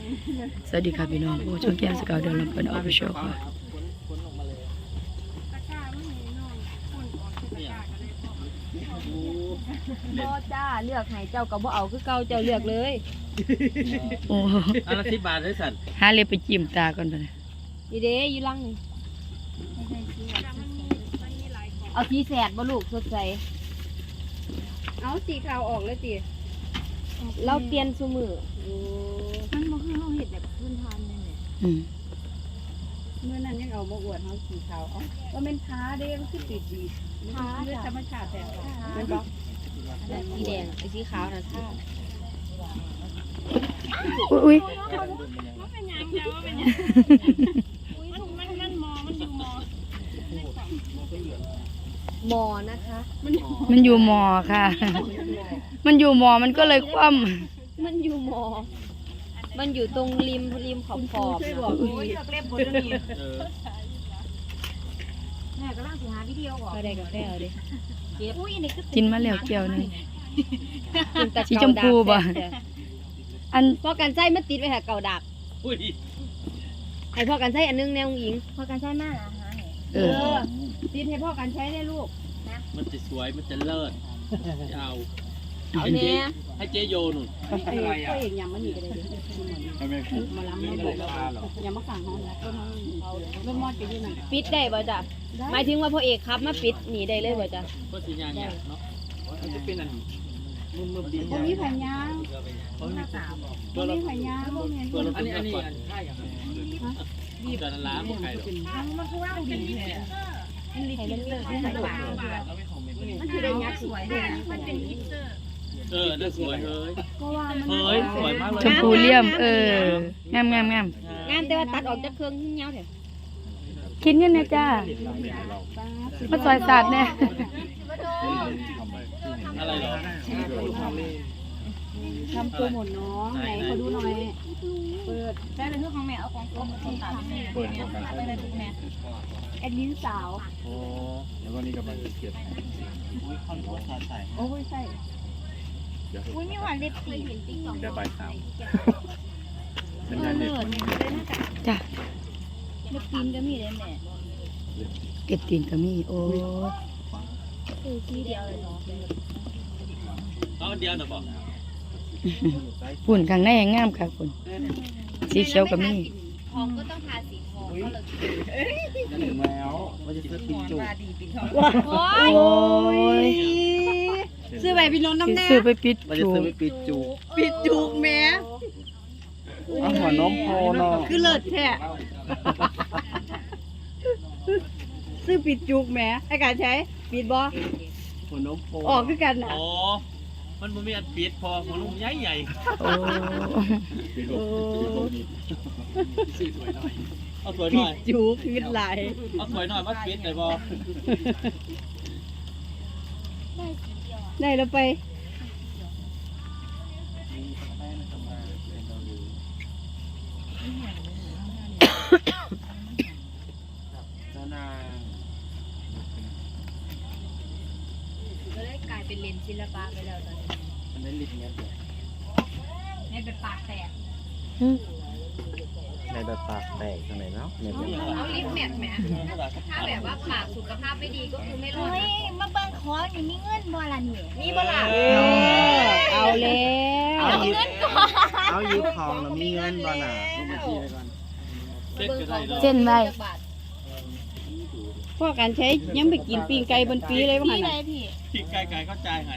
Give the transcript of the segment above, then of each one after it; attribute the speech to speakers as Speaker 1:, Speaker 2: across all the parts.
Speaker 1: สวัสดีค่ะพี่น้องโอ้ช่องแก้มสกาวเดินลำเพลินออฟฟิเชียลค่ะ
Speaker 2: บ่จ้าเลือกให้เจ้าก็บ่เอาคือเก่าเจ้าเลือกเลย
Speaker 1: โอ้
Speaker 3: อันละ10 บาทเลยสัน
Speaker 1: หาเล็บไปจิ้มตาก่อนไปเลย
Speaker 2: นี่เด้อยู่ลังนี่เอาสีแสดบ่ลูกสดใสเอาสีขาวออกเลยติเราเปลี่ยนซุมื้อมันบ่คือเฮาเฮ็ดแบบพื้นฐานนั่นแหละ
Speaker 4: เมื่อนั้นยังเอามาอวดเขาสีขาวเอาว่าเป็นท้าเด้มันคือติดดีท้าเรื่องธรรมชาติแต่มันบอก
Speaker 2: สีแดงไอ้สีขาวน่ะท่า
Speaker 1: อุ้ย
Speaker 2: หมอนะคะ
Speaker 1: มันอยู่มอค่ะ มันอยู่มอมันก็เลยคว่
Speaker 2: มันอยู่หมอมันอยู่ตรงริมขอบ
Speaker 4: ช่วย
Speaker 2: ๆ
Speaker 4: บอก
Speaker 2: น่ะ
Speaker 4: โอ้ยเล็บคนนี้
Speaker 2: แม่กำลังสิหาวิดีโอออกได้กาแฟเอาดิอุ้ยนี่คือ
Speaker 1: ำกินมาแล้วแก้วหนึง
Speaker 2: กินแต่
Speaker 1: สีชมพูบ่ อัน
Speaker 2: พ่อกันไส้มันติดไว้ค่ะเก่าดัก
Speaker 3: อุ้ย
Speaker 2: ให้พ่อกันไส้อันนึงแนวหญิงพ่อกันไส้มากนะฮะ
Speaker 1: เออ
Speaker 4: ติดให้พ่อกันใช้ได้ลูก
Speaker 3: มันจะสวยมันจะเลิศจะเอา
Speaker 2: เอาแน่
Speaker 3: ให้เจโยนุ่น
Speaker 4: ไอ้พ่อเองยังมันหนีไปเลยมาล้ำไม่บอกยังมาสั่งเขาต้นเขาเริ่มมอดไปที่นั่น
Speaker 2: ปิดได้บ่จ้ะหมายถึงว่าพ่อเอกครับมาปิดหนีได้เลยบ่จ้ะ
Speaker 3: ก็สิยางเนี่ยเนาะมันจะเป็นอันมึมๆดี
Speaker 4: พวกนี้แผ่นยาง
Speaker 3: เพราะมัน
Speaker 4: พวกนี้แผ่นยางพวกนี้
Speaker 3: ตัวเราอันนี้ค่ายอย่างดีแต่ละล้านบ่ไกลหรอก
Speaker 4: มันคือว่าดีแท้มันคือได้ยักษ์สวยเลยมันเป็นฮิตเตอร์
Speaker 3: น่าสวยเฮ้ย
Speaker 4: เพราะว่ามัน
Speaker 3: เฮ้ยสวยมากเลย
Speaker 1: ชมพูเลี่ยม งาม
Speaker 2: งานแต่ว่าตัดออกจากเครื่องเงาเถอะ
Speaker 1: คิดเงินนะจ้ามาซอยศาสตร์เนี่ย
Speaker 3: อะไรเหรอ
Speaker 4: ทำโปรโมทน้องไหนขอดูหน่อยเปิดได้เลยเพื่อของแม่เอาของคนตัดเปิดไปเลยทุกแม่แอดมินสาว
Speaker 3: โอ้
Speaker 5: แล้วก็นี่กำลังจะเก็บ
Speaker 3: คอนโทรลใส่
Speaker 4: โอ้ยใส่
Speaker 2: อุ้ยมีหวานเล็บตี
Speaker 5: ได้ใบสามเป็นงานเด็กวันนี้
Speaker 1: จ้ะ
Speaker 2: เล็บตีนก็มีเลยแม่
Speaker 1: เก็บตีนก็มีโอ้
Speaker 2: ทีเดียวเลยเนาะ
Speaker 3: เอาเดียวนะบอก
Speaker 1: ฝุ่นข้างในงามค่ะคุณสีเขียวก็มี
Speaker 2: ทองก็ต้องทาสีทองก็เลย
Speaker 5: ถึงแล้วว่าจะซื้อปิดจุก
Speaker 2: โอ้
Speaker 1: โอ้ย
Speaker 4: ซื้อใบพี่น้องน้ำแน่
Speaker 1: ซื้อไปปิด
Speaker 5: ว่าจะ
Speaker 1: ถู
Speaker 5: ซื้อก ไปปิดจุก
Speaker 4: ปิดจุกแม่
Speaker 5: เอาหัวนมโพเนาะ
Speaker 4: คือเลิศแท้ซื้อปิดจุกแม่ไอ้การใช้ปิดบ่
Speaker 5: หัวนมโพ
Speaker 4: ออกคือกันน่ะ
Speaker 3: อ๋อมันบ่มีอันปิดพอของลุงใหญ่
Speaker 1: โอ้
Speaker 5: ปิดจุกนี่
Speaker 3: เอาสวยหน่อย
Speaker 4: จุกเงินไหลาย
Speaker 3: เอาสวยหน่อยมาปิดได้บ่
Speaker 4: ได้แล้วไป
Speaker 5: นา
Speaker 2: ก็เลยกลายเป็นเลนศิลปะไปแล้วตอนนี้
Speaker 5: อันนั้นลิบเงี้ย
Speaker 2: ให้เป็นปากแตก
Speaker 5: ในแบบปากแตกตรงไหนเนาะเนี่ย
Speaker 2: เอาลิปแมทแหมถ้าแบบว่าปากสุขภาพไม่ดีก็คือไม่รอดนะ
Speaker 6: มาเบิ่งขอนี่มีเงินบ่ล่ะนี่
Speaker 2: มีบ่ล่ะ
Speaker 4: เอาแล้ว
Speaker 6: เอาเงินก่อน
Speaker 5: เอายืมทองแล้วมีเงินบ่น่ะ
Speaker 3: เซ็ตก็ได้ดอก
Speaker 1: เส้นไว้
Speaker 4: พ่อการใช้ยังไปกินปีงไก่บนปีเลยว่า
Speaker 6: พี่
Speaker 4: หั่น
Speaker 6: ไหน
Speaker 4: น่ะ
Speaker 6: พี่
Speaker 3: พี่ไกลๆเข้าใจหาย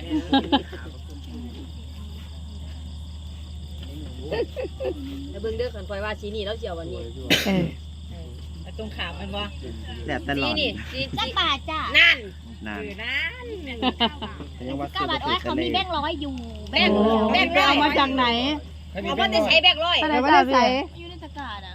Speaker 2: แล้วเบิ่งเด้อขันปล่อยว่าสีนี่แล้วเจียววันนี้
Speaker 1: เออ
Speaker 4: ตรงขามมันบ่
Speaker 5: แหลบตล
Speaker 2: สี
Speaker 5: อด
Speaker 2: นี่สี
Speaker 6: จักบาทจ้ะ
Speaker 2: นั่น
Speaker 5: นาน
Speaker 2: นั่น
Speaker 5: ยังว่า
Speaker 6: 9 บาทอ้อยเขามีแบงค์100อยู่
Speaker 2: แบงค์แบงค์ร้อย
Speaker 4: เอามาจากไหน
Speaker 2: เอามาจะใช้แบงค์ร้อย
Speaker 4: แต่ว่าได้ใส่
Speaker 6: อยู่ในตะกร้าน่ะ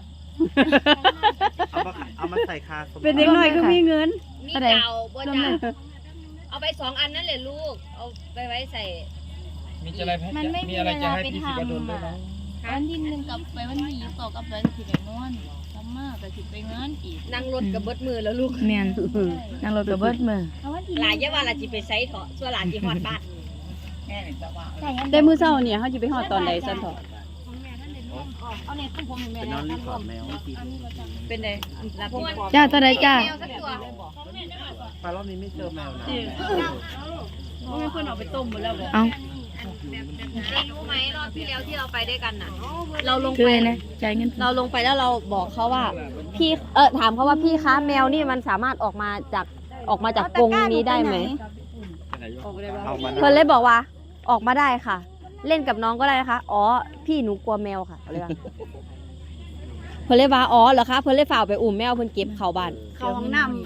Speaker 5: เอามาใส่คาสม
Speaker 4: เป็นเด็กน้อยก็มีเงิน
Speaker 2: มีเก่าบ่จ้าเอาไป2 อันนั่นแหละลูกเอาไปไว้ใส่
Speaker 6: มันไม่มีเวลาไปทำอ่ะวันที่1กับไปวันที่2กับไปสิไปนอนทำมาแต่สิไปงานอีก
Speaker 2: นั่งรถกับเบิดมือแล้วลูก
Speaker 1: แม่นนั่งรถกับเบิดมือ
Speaker 6: เอาวันที่
Speaker 2: หลายอยาว่าล่ะสิไปใช้เถาะส่วนหลานสิฮอดบ้าน
Speaker 6: ใส่อัน
Speaker 4: ได้มื้อเช้าเนี่ยเฮาสิไปฮอดตอนใดซั่นเถาะ
Speaker 5: โอ้
Speaker 4: เอาเนี่ยต้องผมเห็นแม่
Speaker 5: ไปนอนรีสอร์ทแมว
Speaker 4: เป็นไงรับผม
Speaker 1: จ้าเท่าไรจ้า
Speaker 5: ปลารอบนี้ไม่เจอแมวนะ
Speaker 4: ว่าไม่เพื่อนเอาไปต้มหมดแล้วบอก
Speaker 1: เอา
Speaker 2: รู้ไหมรอบที่แล้วที่เราไปด้วยกันน่ะ เราลง
Speaker 1: คือ
Speaker 2: ไป
Speaker 1: อะไรนะจ่ายเงิน
Speaker 2: เราลงไปแล้วเราบอกเขาว่า พี่ถามเขาว่าพี่คะแมวนี่มันสามารถออกมาจากกรงนี้ได้ไหม
Speaker 5: เอามา
Speaker 2: เพื่อนเลยบอกว่าออกมาได้ค่ะ เล่นกับน้องก็ได้นะคะอ๋อพี่หนูกลัวแมวค่ะเพื่อนเลยว่าอ๋อเหรอคะเพื่อนเลยฝ่ากไปอุ้มแมวเพื่อนเก็บเข้าบ้าน
Speaker 4: เขาห้องน้ำ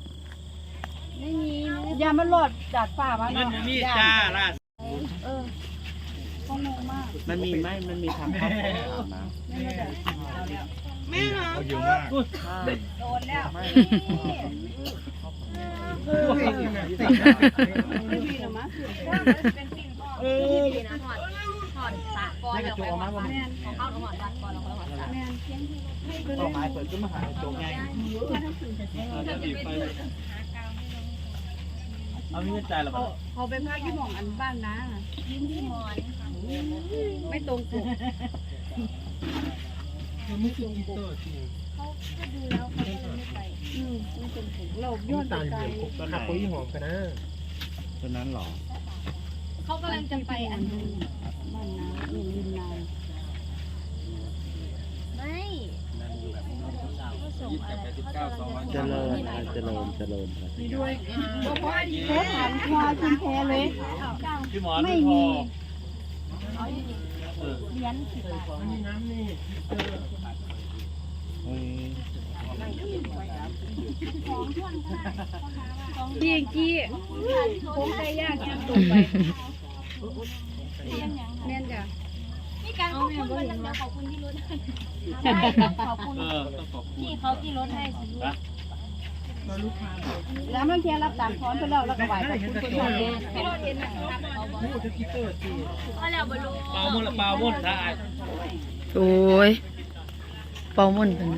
Speaker 4: ยามันหลอดจากฝ่ามา
Speaker 3: มันมีจ้าล่ะ
Speaker 5: มันมีไหมมันมีทำข้าวของนะ
Speaker 3: เขาเยอะมาก
Speaker 4: โดนแล้ว
Speaker 5: ให้กระโจมมาว่าต่อไม้เปิดขึ้นมาหาโจงไงเอามีเงินจ่ายหรอ
Speaker 4: เขาไปพักที่หม่องอันบ้านนะไม่ตรงปกเราย้อนไปไกล
Speaker 5: หักปุ้ยหอมกันนะตัวนั้นหรอ
Speaker 4: เขากำลังจะไปอันนึงบ้านน้ำริมน้ำ
Speaker 5: เจริญเจริญเจริญ
Speaker 4: แพ้ถามควาคุณแพ้เลย
Speaker 3: พี่หมอนไม่พอ
Speaker 4: เลี้ยนสิบบาท พี่กี้ผมใจยากยังตกไปแม่นจ้ะ
Speaker 6: มีการขอบคุณมันจะขอบคุณที่รถให้ขอบคุณ
Speaker 3: ต้องขอบคุณ
Speaker 6: พี่เขาที่รถให้สิลูก
Speaker 4: แล้วมันแค่รับตามพร้อมไปแล้วแล้วก็ไหวกับคุณคนนี้
Speaker 6: พี่รถเห็นนะครับเอาแล้วบลู
Speaker 3: เปล่ามุ่นละเปล่ามุ่นได้
Speaker 1: โอ้ยเป่าม่นกันนะ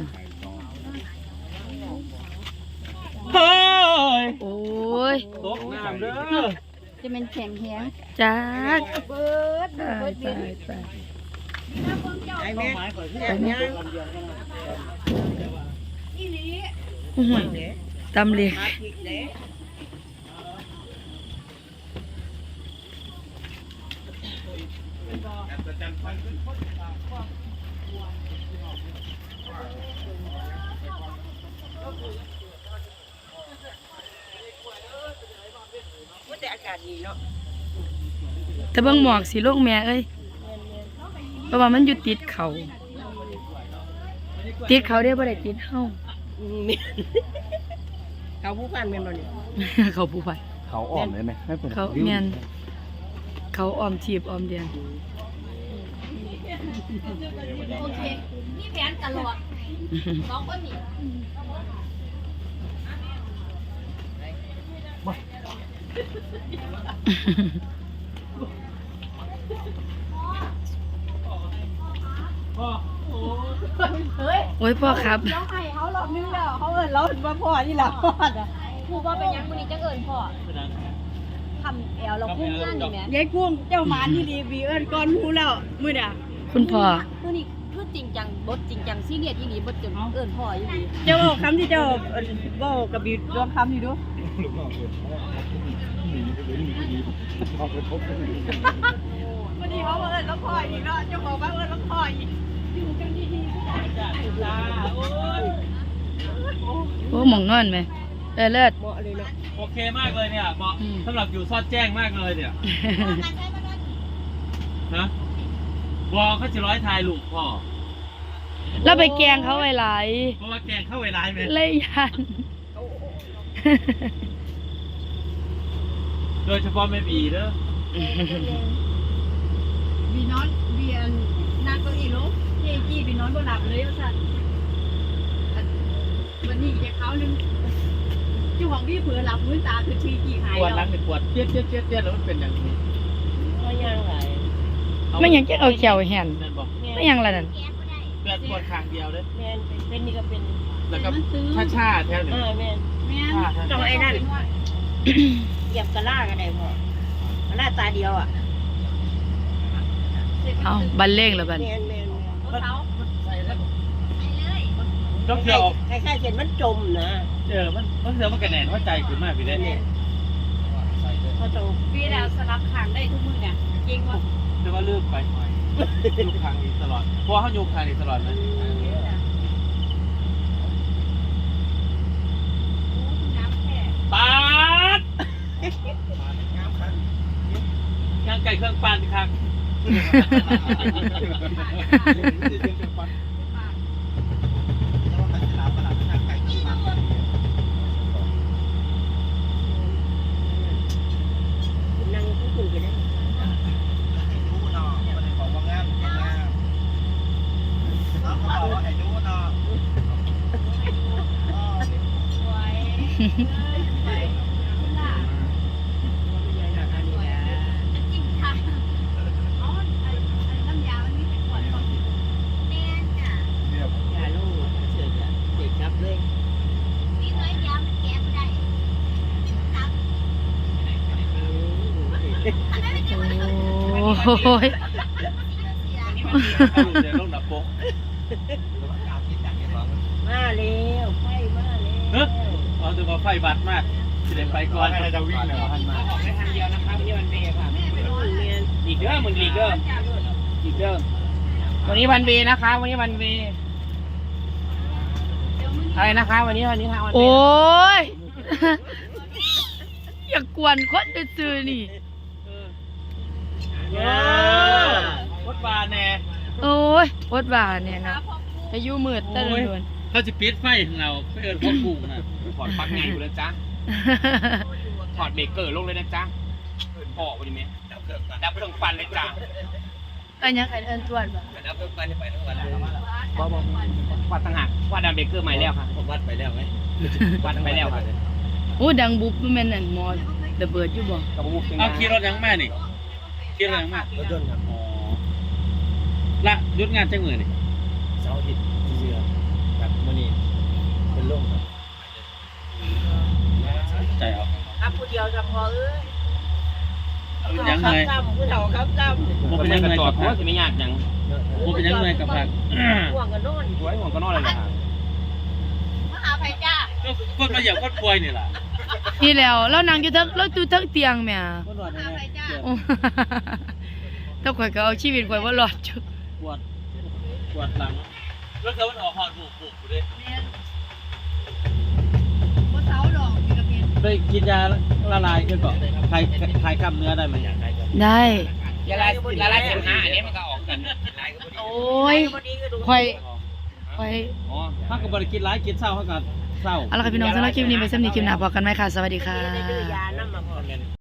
Speaker 3: เฮ้ย
Speaker 1: โอ้ย
Speaker 3: ตกน้ำเด้อ
Speaker 4: จะเป็นแข็งแข็ง
Speaker 1: จ้า
Speaker 4: เบิด
Speaker 1: ตายตายตาย
Speaker 5: ไอ้แม่ยัง
Speaker 1: อื้อหือตำเลียง แต่เบิ่งหมอกสิลูกแม่เอ้ยเพราะว่ามันอยู่ติดเขาติดเขาได้บ่ได้ติดเฮา
Speaker 4: เขาผู้พันเป็นบ่นี่
Speaker 1: เขาผู้ไป
Speaker 5: เขาอ่อนเลยไหมไม่เป็น
Speaker 1: เขาแม่นเขาออมชีพออมเดือน
Speaker 6: โอเคนี่แผนตลอดสองคนนี่
Speaker 3: พ่อโอ้
Speaker 1: โอ้ยพ่อครับ
Speaker 4: เขาให้เขารอบนึงแล้วเขาเอิ้นเราเห็นว่าพ่อที่หลังพ่ออ่ะ
Speaker 6: ครูว่าเป็นยังคนนี้จะเอิญพ่อ
Speaker 3: เป็นยัง
Speaker 6: ทำแอลเราพุ่งงานอยู่ไหม
Speaker 4: ยายกุ้งเจ้าหมาที่ดีบีเอิ้นก่อนฮู้แล้วมื้อน่ะ
Speaker 1: คุณพ่อ
Speaker 6: คือนี่คือจริงจังบทจริงจังซีเรียสอีหลีบทจนเอิญพ่ออยู่ดี
Speaker 4: เจ้าบอกคำที่เจ้าบอกกับบีรวมคำอยู่ดูวันนี้เขาเอิ้นแล้วพ่ออีกเนาะเจ้าของบ้านเอิ้นแล้วพ่ออีกอยู่กันดีๆ
Speaker 3: จ้าโอ้ย
Speaker 1: โอ้หมองนอนไหมเลิศ
Speaker 3: โอเคมากเลยเนี่ยเหมาะสำหรับอยู่ซอดแจ้งมากเลยเนี่ยฮะบอกเขาจะร้อยทายลูกพ่อ
Speaker 1: แล้วไปแกล้งเขาไว้หลาย
Speaker 3: เพราะว่าแกงเข้าเวลาไหม
Speaker 1: เลยยัน
Speaker 3: โดยเฉพาะแม่บีเด้อ
Speaker 4: บีนอนเบียนนางเก็อีลูกเจ๊จี้บีนอนบ่หลับเลยว่าซั่นวันนี้จะเขานึงเจ้าของพี่เผือหลับมื้อตาคือชีจี้หาย
Speaker 3: ปวดหลั
Speaker 4: แล้
Speaker 3: ง
Speaker 4: ว
Speaker 3: เนี่ยปวดเจี๊ยดเจี๊ยดเจี๊ยดเจี๊ยดแล้วมันเป็นอย่างนี้
Speaker 4: ก็ยังไหล
Speaker 1: ไม่ยังจะเอาแขวแห่น
Speaker 3: นั่นบอก
Speaker 1: ไม่ยังละนั่น
Speaker 3: เปลือกปวดข้างเดียวเลย
Speaker 4: แม่นเป็นนี่ก็เป็น
Speaker 3: แล้วก็ชาแถวหนึ่ง
Speaker 4: แม่นต้องไอ้นั่นเหยียบกระล่ากันได้พ่อกระล่าตาเดียวอ่ะ
Speaker 1: เอาบันเล่งแล้วบัน
Speaker 4: แม่น
Speaker 3: ต้องเที่ยว
Speaker 5: คล้ายๆเห็นมันจมนะ
Speaker 3: มันเที่ยวมันกระแหน่นหัวใจขึ้นมากพี่เด้เนี่ย
Speaker 5: เขาต้อง
Speaker 2: ปีแล้วสลับข้างได้ทุกมื้อเนี่ยจริงบ่
Speaker 3: แต่ว่าลืมไปยุคทางนี้ตลอดเพราะเขายุคทางนี้ตลอดไหมปาดย่างไก่เครื่องปานครับ
Speaker 5: นั่งคุยกันได้ อย่าลูกเฉยๆเด็กจับเลย
Speaker 1: โอ้ย
Speaker 3: ถ้าอยู่ในโลกหนักโป๊ก
Speaker 5: มาเร็วไฟมาเร็ว
Speaker 3: เฮ้ยเอาแต่ว่าไฟบัดมากจะได้ไปก่อนจะวิ่งเลยพันมา
Speaker 5: ออกได้ทางเดียวนะครับนี่วันเบย์ค่ะอีกเด้อมึงอีกเด้ออีกเด้อวันนี้วันเบย์นะคะวันนี้วันเบย์อะไรนะคะวันนี้ทางวันเบย์
Speaker 1: โอ้ย อย่ากวนคนซื่อๆนี่
Speaker 3: วัดบาแน่
Speaker 1: โอ้ยโคตรบาเนี่ยนะอายุมืดตะลุน
Speaker 3: เขาจะปิดไฟของเราไปเอิญพ่อปู่นะ
Speaker 5: ถอดปลั๊กไงอยู่นะจ๊ะถอดเบรกเกอร์ลงเลยนะจ๊ะพ่อวันนี้ไหมดับเครื่องปั่นเลยจ้ะ
Speaker 1: อันยังไงเอินตรวจบ่
Speaker 5: ดับเครื่องปั่นไปทั้งวันวัดต่างหากวัดดับเบรกเกอร์ใหม่แล้วค่ะวัดไปแล้วไหมวัดไปแล้วค่ะ
Speaker 1: โอ้ดังบุบมันแม่นอั่นหมอระเบิดอยู่บ่
Speaker 5: กับมุก
Speaker 3: เอาขี่รถยังแม่นี่ขี่รถยังแม่
Speaker 5: รถยนต์ครับ
Speaker 3: อ๋อละหยุดงานจังมือนี่
Speaker 5: เสาร์อาทิตย์เสือกับมื้อนี้เป็นลมครับ
Speaker 3: ใจเอา
Speaker 5: ครับผู้เดียวกับพอเอ้ย
Speaker 3: ยังไง
Speaker 5: ผู้เฒ่าครับจำ
Speaker 3: ผมเป็นยังไงกับพัก
Speaker 5: จะไม่ยากยัง
Speaker 3: ผมเป็นยังไงกับพัก
Speaker 5: ห่วงกันโน่นห่วงกันโน่นเลยนะ
Speaker 3: คนมาเหยียบคนป่วยนี่แหละ
Speaker 1: นี่แล้วเรานั่งอยู่เทั้งเราอยู่เทั้งเตียงแหม่
Speaker 3: คนหลอดนี่
Speaker 1: โอ้ ถ้าข่อยก็เอาชีวิตข่อยบ่รอดจุ
Speaker 3: ปวดหลังรถเขามันออกหอดบุกๆเลยไปกินยาละลายกันก่อนคลายกล้ามเนื้อได้ไหม
Speaker 1: ได้
Speaker 5: ยาลายเสมหะอันนี้มันก็ออกกัน
Speaker 1: โอ้ยข่อย
Speaker 3: อ๋อถ้ากับบริกินร้ายกินเศร้าเขาก็เศร้า
Speaker 1: เอาล่ะค่ะพี่น้องสำหรับคลิปนี้ไปสำหรับคลิปหน้าพบกันใหม่ค่ะ สวัสดีค่ะ
Speaker 5: ยาน้ำมาพอ